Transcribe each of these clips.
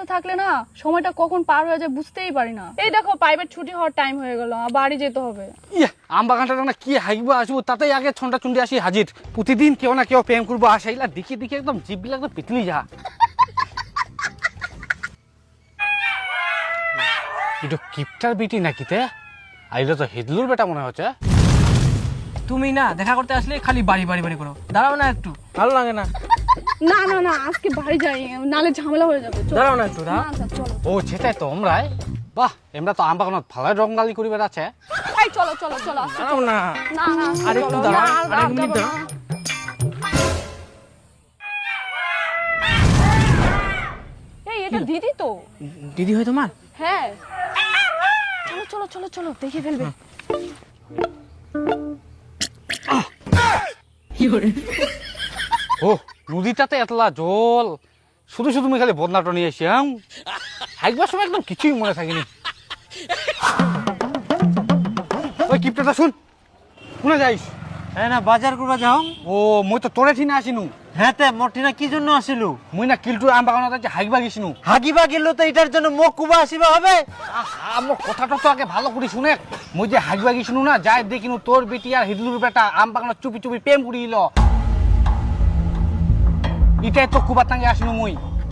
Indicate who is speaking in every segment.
Speaker 1: থাকলে না সময়টা কখন পার হয়ে যায় বুঝতেই পারি না। এই দেখো প্রাইভেট ছুটি হওয়ার টাইম হয়ে গেল, বাড়ি যেতে হবে।
Speaker 2: আম বাগানটা না কি হাইবো আসবো, তাতেই আগে ছন্টা চুন্ডি আসি হাজির। প্রতিদিন কেউ না কেউ প্রেম করবো আসাইলা দেখি দেখি একদম জিভগুলো একদম পিতলি যা। এটা কিপটার বিটি নাকি তে? আর এটা তো হিদলুর বেটা মনে হচ্ছে।
Speaker 3: তুমি না দেখা করতে আসলে খালি বাড়ি বাড়ি বাড়ি করো, দাঁড়াও না একটু, ভালো লাগে না।
Speaker 1: না না না, আজকে বাড়ি যাই, নালে ঝামেলা হয়ে যাবে।
Speaker 3: দাঁড়াও না একটু, দাঁড়াও।
Speaker 1: আচ্ছা চলো।
Speaker 2: ও সেটাই তো আমরাই। বাহ, আমরা তো আম বাগানত ভালো রঙালি করি বেড়াচ্ছে।
Speaker 1: এই চলো চলো চলো।
Speaker 3: দাঁড়াও না,
Speaker 1: না না
Speaker 3: আরেকটু
Speaker 1: চলো।
Speaker 3: দাঁড়াও,
Speaker 1: না,
Speaker 3: আরেক
Speaker 1: আর
Speaker 3: মিনিট
Speaker 1: যাবো
Speaker 3: দাঁড়াও।
Speaker 1: না। এই এটা দিদি তো।
Speaker 3: দিদি হয় তোমার?
Speaker 1: হ্যাঁ চলো চলো চলো চলো, দেখে ফেলবে।
Speaker 2: ও নদীটাতে এতলা জল, শুধু শুধু আমি খালি বদনাটা নিয়ে এসি। একবার সময় একদম কিছুই মনে থাকেনি। ওই কিপটাটা শুন, শুনে যাইস?
Speaker 4: হ্যাঁ না, বাজার করবা যাও।
Speaker 2: ও মই তো তোরে ঠিনা আসিনু।
Speaker 4: হ্যাঁ তে মর্টিনা কি জন্য আসিলু?
Speaker 2: মুই না কিলটুর আম বাগানত আছে হাইকবা গেছিনু।
Speaker 4: হাগিবা গেল তো এটার জন্য মুখ কুবা আসিবা হবে?
Speaker 2: আমার কথাটা তো আগে ভালো করে শুনে। মুই যে হাইকবা গেছিনু না, যাই দেখিনু তোর বেটি আর হিদলুর বেটা আম বাগানত চুপি চুপি প্রেম করিল। এটাই তো কুবার টাঙ্গে আসিনু মুই।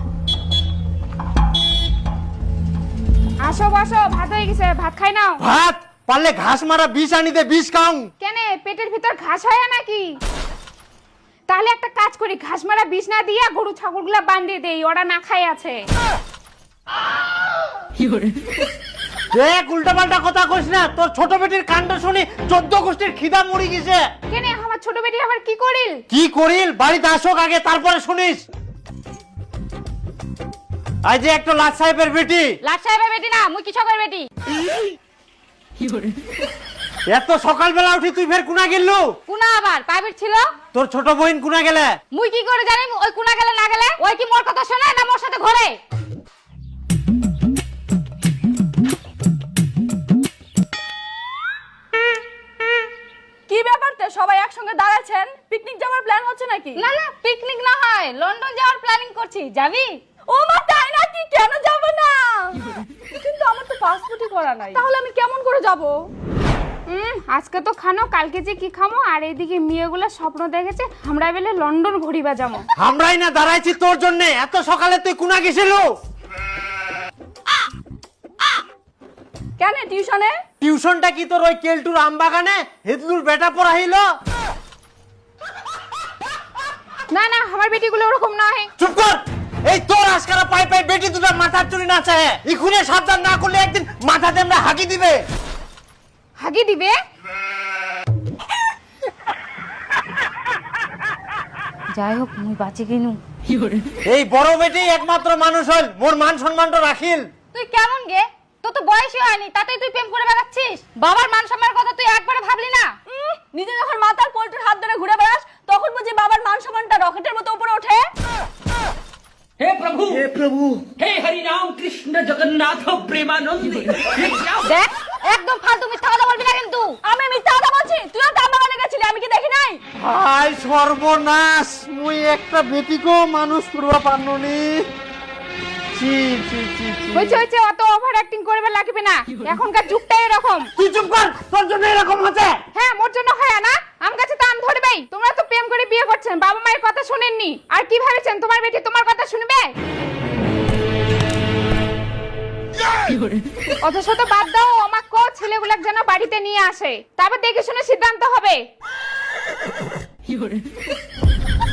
Speaker 5: আসো বসো, ভাত হয়ে গেছে, ভাত খাই নাও।
Speaker 4: ভাত পারলে ঘাস মারা বিষ আনি দে, বিষ খাও।
Speaker 5: কেন পেটের ভিতর ঘাস হয় নাকি? তাহলে একটা কাজ করি, ঘাস মারা বিষ না দিয়া গরু ছাগলগুলা বান্ধিয়ে দেই, ওরা না খাই আছে।
Speaker 4: দেখ উল্টা পাল্টা কথা কইস না, তোর ছোট বেটির কাণ্ড শুনি 14 গোষ্ঠীর খিদা মরি গেছে।
Speaker 5: কেন আমার ছোট বেটি আবার কি করিল?
Speaker 4: কি করিল বাড়িতে আসুক আগে, তারপরে শুনিস। আজ যে একটা লাট সাহেবের বেটি।
Speaker 5: লাট সাহেবের বেটি না, মুই কিছকের বেটি।
Speaker 4: এত সকালবেলা উঠি তুই ফের কুনা গেলু?
Speaker 5: কুনা আবার প্রাইভেট ছিল।
Speaker 4: তোর ছোট বোন কুনা গেলে?
Speaker 5: মুই কি করে জানি ওই কুনা গেলে না গেলে? ওই কি মোর কথা শোনে না মোর সাথে ঘরে?
Speaker 1: কি ব্যাপারতে সবাই একসঙ্গে দাঁড়াচ্ছেন? পিকনিক যাওয়ার প্ল্যান হচ্ছে নাকি?
Speaker 5: না না, পিকনিক না হয়, লন্ডন যাওয়ার প্ল্যানিং করছি, যাবি?
Speaker 1: ও মা তাই নাকি? কেন যাব না? কিন্তু আমার তো পাসপোর্টই করা নাই, তাহলে আমি কেমন করে যাব?
Speaker 5: আজকে তো খানো, কালকে যে কি খামো। আর এইদিকে মেয়েগুলা স্বপ্ন দেখেছে আমরা বেলে লন্ডন ঘুরিবা যাবো।
Speaker 4: আমরাই না দাঁড়াইছি তোর জন্য। এত সকালে তুই কুনা গেছিলু?
Speaker 1: কেন টিউশনে?
Speaker 4: টিউশনটা কি তোর ওই কেলটুর আম বাগানে হিদলুর বেটা পড়াইলো?
Speaker 5: না না, আমার বেটিগুলো ওরকম নয়।
Speaker 4: চুপ কর। এই তোর আজকারা পাই পাই বেটি দুটো মাথার চুরি না চায়, ইখুনে সাবধান না করলে একদিন মাথাতে আমরা হাগি দিবে।
Speaker 5: হাগি দিবে? যাই হোক, মুই বাঁচি কিনু।
Speaker 4: এই বড় বেটি একমাত্র মানুষ হল, মোর মান সম্মানটা রাখিল।
Speaker 5: তুই কেমন গে? তোর তো বয়সই হয়নি, তাতেই তুই প্রেম করে বেড়াচ্ছিস। বাবার মান সম্মানের কথা তুই একবারে ভাবলি না?
Speaker 1: নিজে যখন মাতার পোল্ট্রির হাত ধরে ঘুরে বেড়াস, তখন বুঝি বাবার মান সম্মানটা রকেটের মতো উপরে ওঠে।
Speaker 6: हे प्रभु हे हरि राम कृष्ण जगन्नाथ प्रेमानंद।
Speaker 5: দেখ, একদম ফালতু মিথ্যা কথা বলবি না কিন্তু।
Speaker 1: আমি মিথ্যা কথা বলছি? তুইও তো আমার বাগানে গেছিলি, আমি কি দেখি নাই?
Speaker 4: হাই সর্বনাশ, মুই একটা বেটিকেও মানুষ করবা পারনুনি। চি চি চি চি।
Speaker 5: হইছে হইছে, অত ওভার অ্যাক্টিং করবে লাগবে না, এখনকার যুগটাই এরকম।
Speaker 4: তুই চুপ কর, তোর জন্য এরকম হচ্ছে।
Speaker 5: হ্যাঁ, মোর জন্য হয় না, আম গাছে তো আম ধরবেই। তোমরা তো প্রেম করে বিয়ে করছেন, বাবা মায়ের কথা শুনেননি। আর কি ভেবেছেন তোমার বেটি তোমার কথা শুনবে? অথচ তো বাদ দাও, আমাকে কো ছেলেগুলোকে যেন বাড়িতে নিয়ে আসে, তারপর দেখে শুনে সিদ্ধান্ত হবে।